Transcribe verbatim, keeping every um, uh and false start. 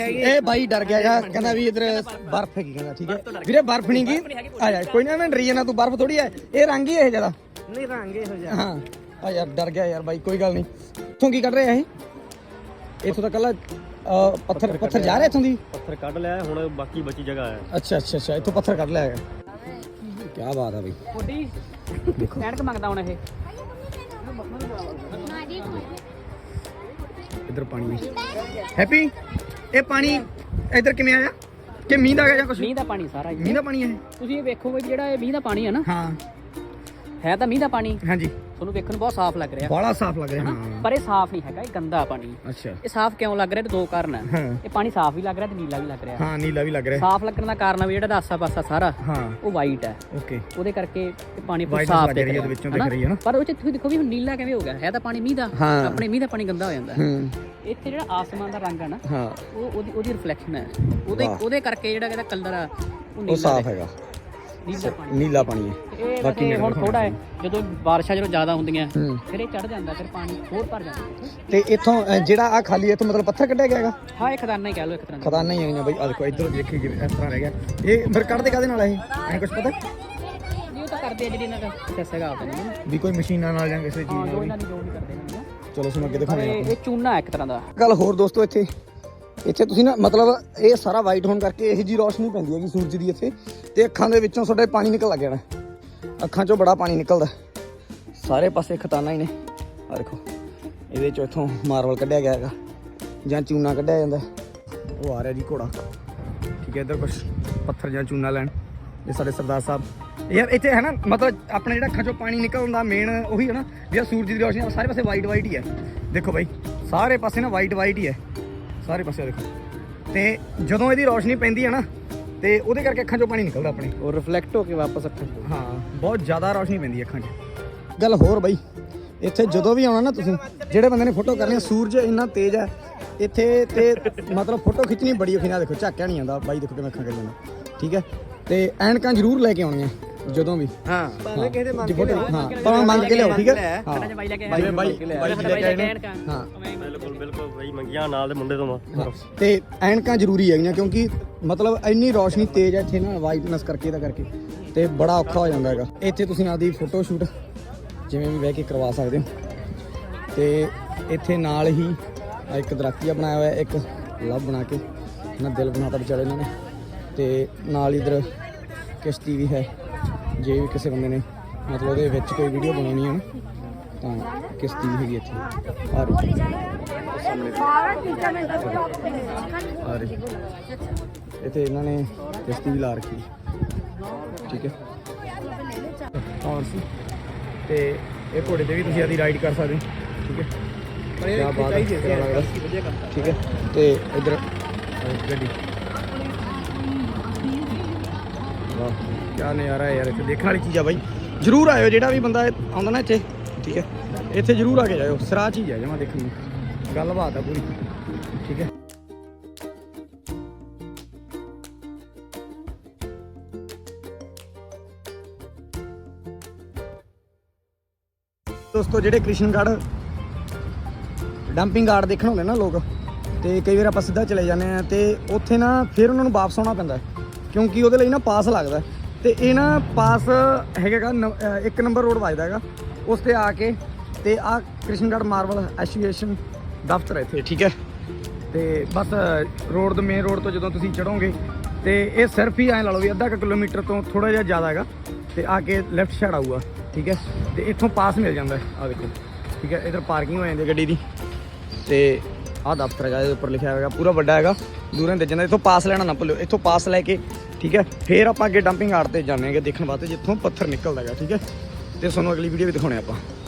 ਇਹ ਬਾਈ ਡਰ ਗਿਆ ਗਾ, ਕਹਿੰਦਾ ਵੀ ਇਧਰ ਬਰਫ਼ ਹੈਗੀ, ਕਹਿੰਦਾ ਠੀਕ ਹੈ ਵੀਰੇ ਬਰਫ਼ ਨਹੀਂ ਗੀ, ਆ ਜਾ ਕੋਈ ਨਾ ਮੈਂ ਡਰੀ ਜਾਣਾ, ਤੂੰ ਬਰਫ਼ ਥੋੜੀ ਹੈ, ਇਹ ਰੰਗ ਹੀ ਇਹ ਜਿਆਦਾ ਨਹੀਂ ਰੰਗ ਇਹੋ ਜਿਹਾ। ਹਾਂ ਆ ਯਾਰ ਡਰ ਗਿਆ ਯਾਰ ਬਾਈ, ਕੋਈ ਗੱਲ ਨਹੀਂ। ਇੱਥੋਂ ਕੀ ਕੱਢ ਰਿਹਾ ਇਹ? ਇੱਥੋਂ ਤਾਂ ਕੱਲਾ ਪੱਥਰ ਪੱਥਰ ਜਾ ਰਿਹਾ ਇੱਥੋਂ ਦੀ, ਪੱਥਰ ਕੱਢ ਲਿਆ, ਹੁਣ ਬਾਕੀ ਬਚੀ ਜਗ੍ਹਾ ਹੈ। ਅੱਛਾ ਅੱਛਾ ਅੱਛਾ ਇੱਥੋਂ ਪੱਥਰ ਕੱਢ ਲਿਆ ਹੈਗਾ, ਕੀ ਬਾਤ ਹੈ ਬਈ। ਥੋੜੀ ਦੇਖੋ ਐਨਕ ਮੰਗਦਾ ਹੁਣ ਇਹ। ਇੱਧਰ ਪਾਣੀ ਹੈਪੀ, ਇਹ ਪਾਣੀ ਇੱਧਰ ਕਿਵੇਂ ਆਇਆ ਕਿ ਮੀਂਹ ਦਾ ਆ ਗਿਆ ਜਾਂ ਕੁਝ? ਮੀਂਹ ਦਾ ਪਾਣੀ ਸਾਰਾ ਮੀਂਹ ਦਾ ਪਾਣੀ ਹੈ ਤੁਸੀਂ ਇਹ ਵੇਖੋ ਵੀ ਜਿਹੜਾ ਇਹ ਮੀਂਹ ਦਾ ਪਾਣੀ ਹੈ ਨਾ, ਹਾਂ ਹੈ ਤਾਂ ਮੀਂਹ ਦਾ ਪਾਣੀ, ਹਾਂਜੀ ਤੁਹਾਨੂੰ ਵੇਖਣ ਨੂੰ ਬਹੁਤ ਸਾਫ਼ ਲੱਗ ਰਿਹਾ, ਬੜਾ ਸਾਫ਼ ਲੱਗ ਰਿਹਾ, ਹਾਂ ਪਰ ਇਹ ਸਾਫ਼ ਨਹੀਂ ਹੈਗਾ, ਇਹ ਗੰਦਾ ਪਾਣੀ। ਅੱਛਾ ਇਹ ਸਾਫ਼ ਕਿਉਂ ਲੱਗ ਰਿਹਾ? ਤੇ ਦੋ ਕਾਰਨ ਹੈ। ਹਾਂ ਇਹ ਪਾਣੀ ਸਾਫ਼ ਵੀ ਲੱਗ ਰਿਹਾ ਤੇ ਨੀਲਾ ਵੀ ਲੱਗ ਰਿਹਾ। ਹਾਂ ਨੀਲਾ ਵੀ ਲੱਗ ਰਿਹਾ। ਸਾਫ਼ ਲੱਗਣ ਦਾ ਕਾਰਨ ਵੀ ਜਿਹੜਾ ਆਸਾ ਪਾਸਾ ਸਾਰਾ ਹਾਂ ਉਹ ਵਾਈਟ ਹੈ, ਓਕੇ ਉਹਦੇ ਕਰਕੇ ਇਹ ਪਾਣੀ White ਸਾਫ਼ ਲੱਗ ਦਿਖ ਰਹੀ ਹੈ, ਰਿਹਾ ਉਹਦੇ ਵਿੱਚੋਂ ਦਿਖ ਰਹੀ ਹੈ ਨਾ। ਪਰ ਉਹ ਚ ਤੁਸੀਂ ਦੇਖੋ ਵੀ ਹੁਣ ਨੀਲਾ ਕਿਵੇਂ ਹੋ ਗਿਆ, ਹੈ ਤਾਂ ਪਾਣੀ ਮੀਂਹ ਦਾ, ਹਾਂ। ਆਪਣੇ ਮੀਂਹ ਦਾ ਪਾਣੀ ਗੰਦਾ ਹੋ ਜਾਂਦਾ। ਹੂੰ ਇੱਥੇ ਜਿਹੜਾ ਆਸਮਾਨ ਦਾ ਰੰਗ ਹੈ ਨਾ, ਹਾਂ ਉਹ ਉਹਦੀ ਉਹਦੀ ਰਿਫਲੈਕਸ਼ਨ ਹੈ, ਉਹਦੇ ਵਾਹ। ਉਹਦੇ ਕਰਕੇ ਜਿਹੜਾ ਇਹਦਾ ਕਲਰ ਆ ਉਹ ਉਹ ਨੀਲਾ ਸਾਫ਼ ਹੈ, ਹੈਗਾ, ਨੀਲਾ ਪਾਣੀ। ਨੀਲਾ ਪਾਣੀ ਹੈ। ਇਹ ਬਾਕੀ ਵੈਸੇ ਹੁਣ ਥੋੜਾ ਹੈ, ਜਦੋਂ ਬਾਰਿਸ਼ਾਂ ਜਦੋਂ ਜ਼ਿਆਦਾ ਹੁੰਦੀਆਂ ਹੂੰ ਫਿਰ ਇਹ ਚੜ ਜਾਂਦਾ, ਫਿਰ ਪਾਣੀ ਹੋਰ ਭਰ ਜਾਂਦਾ। ਤੇ ਇੱਥੋਂ ਅ, ਜਿਹੜਾ ਆ ਖਾਲੀ ਇੱਥੋਂ ਮਤਲਬ ਪੱਥਰ ਕੱਢਿਆ ਗਿਆ ਹੈਗਾ, ਹਾਂ ਇਹ ਖਦਾਨਾ ਹੀ ਕਹਿ ਲਓ ਇੱਕ ਤਰ੍ਹਾਂ ਦਾ। ਖਦਾਨਾ ਹੀ ਆਈਆਂ ਬਈ, ਆ ਦੇਖੋ ਇੱਧਰ ਦੇਖੀ ਜਿਵੇਂ ਇਸ ਤਰ੍ਹਾਂ ਰਹਿ ਗਿਆ। ਇਹ ਫਿਰ ਕੱਢਦੇ ਕਾਹਦੇ ਨਾਲ ਇਹ ਐ ਕੁਝ ਪਤਾ ਇਹ ਤਾਂ ਕਰਦੇ ਆ ਜਿਹੜੀ ਇਹਨਾਂ ਦਾ ਪ੍ਰੋਸੈਸ ਹੈਗਾ ਆਪਣਾ ਨਾ, ਵੀ ਕੋਈ ਮਸ਼ੀਨਾਂ ਨਾਲ ਜਾਂ ਕਿਸੇ ਚੀਜ਼ ਹਾਂ ਨਾਲ ਜੋ ਵੀ? ਇਹਨਾਂ ਦੀ ਜੋ ਨਹੀਂ ਕਰਦੇ ਇਹਨਾਂ ਨੂੰ। ਚਲੋ ਸਾਨੂੰ ਅੱਗੇ ਪਰ ਦਿਖਾਉਂਦੇ ਇਹ ਆਪਾਂ। ਇਹ ਚੂਨਾ ਹੈ ਇੱਕ ਤਰ੍ਹਾਂ ਦਾ। ਗੱਲ ਹੋਰ ਦੋਸਤੋ, ਇੱਥੇ ਇੱਥੇ ਤੁਸੀਂ ਨਾ ਮਤਲਬ ਇਹ ਸਾਰਾ ਵਾਈਟ ਹੋਣ ਕਰਕੇ ਇਹੋ ਜੀ ਰੋਸ਼ਨੀ ਪੈਂਦੀ ਹੈਗੀ ਸੂਰਜ ਦੀ ਇੱਥੇ, ਤੇ ਅੱਖਾਂ ਦੇ ਵਿੱਚੋਂ ਤੁਹਾਡੇ ਪਾਣੀ ਨਿਕਲ ਲੱਗ ਜਾਣਾ, ਅੱਖਾਂ 'ਚੋਂ ਬੜਾ ਪਾਣੀ ਨਿਕਲਦਾ, ਸਾਰੇ ਪਾਸੇ ਖਤਾਨਾ ਹੀ ਨੇ। ਆ ਦੇਖੋ ਇਹਦੇ 'ਚੋਂ ਇੱਥੋਂ ਮਾਰਬਲ ਕੱਢਿਆ ਗਿਆ ਹੈਗਾ ਜਾਂ ਚੂਨਾ ਕੱਢਿਆ ਜਾਂਦਾ। ਉਹ ਆ ਰਿਹਾ ਜੀ ਘੋੜਾ, ਠੀਕ ਹੈ। ਇੱਧਰ ਕੁਛ ਪੱਥਰ ਜਾਂ ਚੂਨਾ ਲੈਣ, ਇਹ ਸਾਡੇ ਸਰਦਾਰ ਸਾਹਿਬ। ਯਾਰ ਇੱਥੇ ਹੈ ਨਾ ਮਤਲਬ ਆਪਣੇ ਜਿਹੜਾ ਅੱਖਾਂ 'ਚੋਂ ਪਾਣੀ ਨਿਕਲਦਾ ਮੇਨ ਉਹੀ ਹੈ ਨਾ, ਜਿਹੜਾ ਸੂਰਜ ਦੀ ਰੋਸ਼ਨੀ ਸਾਰੇ ਪਾਸੇ ਵਾਈਟ ਵਾਈਟ ਹੀ ਹੈ। ਦੇਖੋ ਬਾਈ ਸਾਰੇ ਪਾਸੇ ਨਾ ਵਾਈਟ ਵਾਈਟ ਹੀ ਹੈ, ਸਾਰੇ ਪਾਸੇ ਦੇਖੋ। ਤੇ ਜਦੋਂ ਇਹਦੀ ਰੋਸ਼ਨੀ ਪੈਂਦੀ ਹੈ ਨਾ ਤੇ ਉਹਦੇ ਕਰਕੇ ਅੱਖਾਂ 'ਚੋਂ ਪਾਣੀ ਨਿਕਲਦਾ ਆਪਣੇ, ਉਹ ਰਿਫਲੈਕਟ ਹੋ ਕੇ ਵਾਪਸ ਅੱਖਾਂ 'ਚ। ਹਾਂ ਬਹੁਤ ਜ਼ਿਆਦਾ ਰੋਸ਼ਨੀ ਪੈਂਦੀ ਹੈ ਅੱਖਾਂ 'ਚ। ਗੱਲ ਹੋਰ ਬਾਈ, ਇੱਥੇ ਜਦੋਂ ਵੀ ਆਉਣਾ ਨਾ ਤੁਸੀਂ, ਜਿਹੜੇ ਬੰਦੇ ਨੇ ਫੋਟੋ ਕਰਨੀ, ਸੂਰਜ ਇੰਨਾ ਤੇਜ਼ ਹੈ ਇੱਥੇ, ਤੇ ਮਤਲਬ ਫੋਟੋ ਖਿੱਚਣੀ ਬੜੀ ਔਖੀ। ਨਾ ਦੇਖੋ ਝਾਕਿਆ ਨਹੀਂ ਆਉਂਦਾ ਬਾਈ, ਦੇਖੋ ਕਿਵੇਂ ਅੱਖਾਂ ਕਰੀ ਜਾਂਦਾ, ਠੀਕ ਹੈ। ਤੇ ਐਨਕਾਂ ਜ਼ਰੂਰ ਲੈ ਕੇ ਆਉਣੀਆਂ ਜਦੋਂ ਵੀ, ਹਾਂ ਭਾਵੇਂ ਕਿਸੇ ਦੇ ਮੰਗ ਕੇ ਲਿਆਓ, ਹਾਂ ਭਾਵੇਂ ਮੰਗ ਕੇ ਲਿਆਓ, ਠੀਕ ਹੈ। ਹਾਂ ਬਾਈ ਲੈ ਕੇ ਬਾਈ ਬਾਈ ਬਾਈ ਲੈ ਕੇ ਆਏ ਨੇ, ਹਾਂ ਬਿਲਕੁਲ ਬਿਲਕੁਲ ਬਈ ਮੰਗੀਆਂ ਨਾਲ ਦੇ ਮੁੰਡੇ ਤੋਂ। ਤੇ ਐਨਕਾਂ ਜ਼ਰੂਰੀ ਹੈਗੀਆਂ ਕਿਉਂਕਿ ਮਤਲਬ ਇੰਨੀ ਰੋਸ਼ਨੀ ਤੇਜ਼ ਹੈ ਇੱਥੇ ਨਾ, ਵਾਈਟਨੈਸ ਕਰਕੇ ਇਹਦਾ ਕਰਕੇ, ਤੇ ਬੜਾ ਔਖਾ ਹੋ ਜਾਂਦਾ ਹੈਗਾ। ਇੱਥੇ ਤੁਸੀਂ ਆਪਦੀ ਫੋਟੋ ਸ਼ੂਟ ਜਿਵੇਂ ਵੀ ਬਹਿ ਕੇ ਕਰਵਾ ਸਕਦੇ ਹੋ। ਤੇ ਇੱਥੇ ਨਾਲ ਹੀ ਇੱਕ ਦਰਖਤੀਆ ਬਣਾਇਆ ਹੋਇਆ, ਇੱਕ ਲਵ ਬਣਾ ਕੇ ਨਾ ਦਿਲ ਬਣਾਤਾ ਵਿਚਾਰੇ ਇਹਨਾਂ ਨੇ, ਤੇ ਨਾਲ ਇਧਰ ਕਿਸ਼ਤੀ ਵੀ ਹੈ। ਜੇ ਵੀ ਕਿਸੇ ਬੰਦੇ ਨੇ ਮਤਲਬ ਉਹਦੇ ਵਿੱਚ ਕੋਈ ਵੀਡੀਓ ਬਣਾਉਣੀ ਹੈ ਨਾ ਤਾਂ ਕਿਸ਼ਤੀ ਵੀ ਹੈਗੀ ਇੱਥੇ ਆ ਰਹੀ ਆ ਰਹੀ ਇੱਥੇ ਇਹਨਾਂ ਨੇ ਕਿਸ਼ਤੀ ਵੀ ਲਾ ਰੱਖੀ, ਠੀਕ ਹੈ। ਔਰ ਤੇ ਇਹ ਘੋੜੇ ਤੇ ਵੀ ਤੁਸੀਂ ਆਦੀ ਰਾਈਡ ਕਰ ਸਕਦੇ ਹੋ, ਠੀਕ ਹੈ। ਕਿਆ ਬਾਤ ਹੈ, ਕਿਆ ਲੱਗਦਾ, ਠੀਕ ਹੈ। ਤੇ ਇੱਧਰ ਗੱਡੀ, ਵਾਹ ਕਿਆ ਨਜ਼ਾਰਾ ਹੈ ਯਾਰ, ਇੱਥੇ ਦੇਖਣ ਵਾਲੀ ਚੀਜ਼ ਆ ਬਾਈ। ਜ਼ਰੂਰ ਆਇਓ ਜਿਹੜਾ ਵੀ ਬੰਦਾ ਆਉਂਦਾ ਨਾ ਇੱਥੇ, ਠੀਕ ਹੈ। ਇੱਥੇ ਜ਼ਰੂਰ ਆ ਕੇ ਜਾਇਓ, ਸਰਾਹ ਚੀਜ਼ ਹੈ ਜਮਾਂ ਦੇਖਣ ਨੂੰ, ਗੱਲਬਾਤ ਆ ਪੂਰੀ, ਠੀਕ ਹੈ। ਦੋਸਤੋ ਜਿਹੜੇ ਕ੍ਰਿਸ਼ਨਗੜ੍ਹ ਡੰਪਿੰਗ ਯਾਰਡ ਦੇਖਣ ਹੁੰਦੇ ਨਾ ਲੋਕ, ਤੇ ਕਈ ਵਾਰ ਆਪਾਂ ਸਿੱਧਾ ਚਲੇ ਜਾਂਦੇ ਆ, ਤੇ ਉੱਥੇ ਨਾ ਫਿਰ ਉਹਨਾਂ ਨੂੰ ਵਾਪਸ ਆਉਣਾ ਪੈਂਦਾ ਕਿਉਂਕਿ ਉਹਦੇ ਲਈ ਨਾ ਪਾਸ ਲੱਗਦਾ। ਤੇ ਇਹ ਨਾ ਪਾਸ ਹੈਗਾ ਇੱਕ ਨੰਬਰ ਰੋਡ ਵੱਜਦਾ ਹੈਗਾ, ਉਸ ਤੇ ਆ ਕੇ ਤੇ ਆਹ ਕ੍ਰਿਸ਼ਨਗੜ੍ਹ ਮਾਰਬਲ ਐਸੋਸੀਏਸ਼ਨ ਦਫ਼ਤਰ ਹੈ ਇੱਥੇ, ਠੀਕ ਹੈ। ਤੇ ਬਸ ਰੋਡ ਤੋਂ ਮੇਨ ਰੋਡ ਤੋਂ ਜਦੋਂ ਤੁਸੀਂ ਚੜੋਗੇ ਤੇ ਇਹ ਸਿਰਫ ਹੀ ਐਂ ਲਾ ਲਓ ਵੀ ਅੱਧਾ ਕੁ ਕਿਲੋਮੀਟਰ ਤੋਂ ਥੋੜ੍ਹਾ ਜਿਹਾ ਜ਼ਿਆਦਾ ਹੈਗਾ, ਤੇ ਆ ਕੇ ਲੈਫਟ ਸਾਈਡ ਆਊਗਾ, ਠੀਕ ਹੈ। ਤੇ ਇੱਥੋਂ ਪਾਸ ਮਿਲ ਜਾਂਦਾ ਆ ਦੇਖੋ, ਠੀਕ ਹੈ। ਇੱਧਰ ਪਾਰਕਿੰਗ ਹੋ ਜਾਂਦੀ ਗੱਡੀ ਦੀ, ਤੇ ਆਹ ਦਫ਼ਤਰ ਹੈਗਾ, ਇਹਦੇ ਉੱਪਰ ਲਿਖਿਆ ਹੋਵੇਗਾ, ਪੂਰਾ ਵੱਡਾ ਹੈਗਾ, ਦੂਰੋਂ ਦੇ ਜਾਂਦਾ। ਇੱਥੋਂ ਪਾਸ ਲੈਣਾ ਨਾ ਭੁੱਲਿਓ, ਇੱਥੋਂ ਪਾਸ ਲੈ ਕੇ, ਠੀਕ ਹੈ, ਫਿਰ ਆਪਾਂ ਅੱਗੇ ਡੰਪਿੰਗ ਯਾਰਡ ਤੇ ਜਾਂਦੇ ਹੈਗੇ ਦੇਖਣ ਵਾਸਤੇ ਜਿੱਥੋਂ ਪੱਥਰ ਨਿਕਲਦਾ ਹੈਗਾ, ਠੀਕ ਹੈ। ਤੇ ਤੁਹਾਨੂੰ ਅਗਲੀ ਵੀਡੀਓ ਵੀ ਦਿਖਾਉਣੇ ਆਪਾਂ।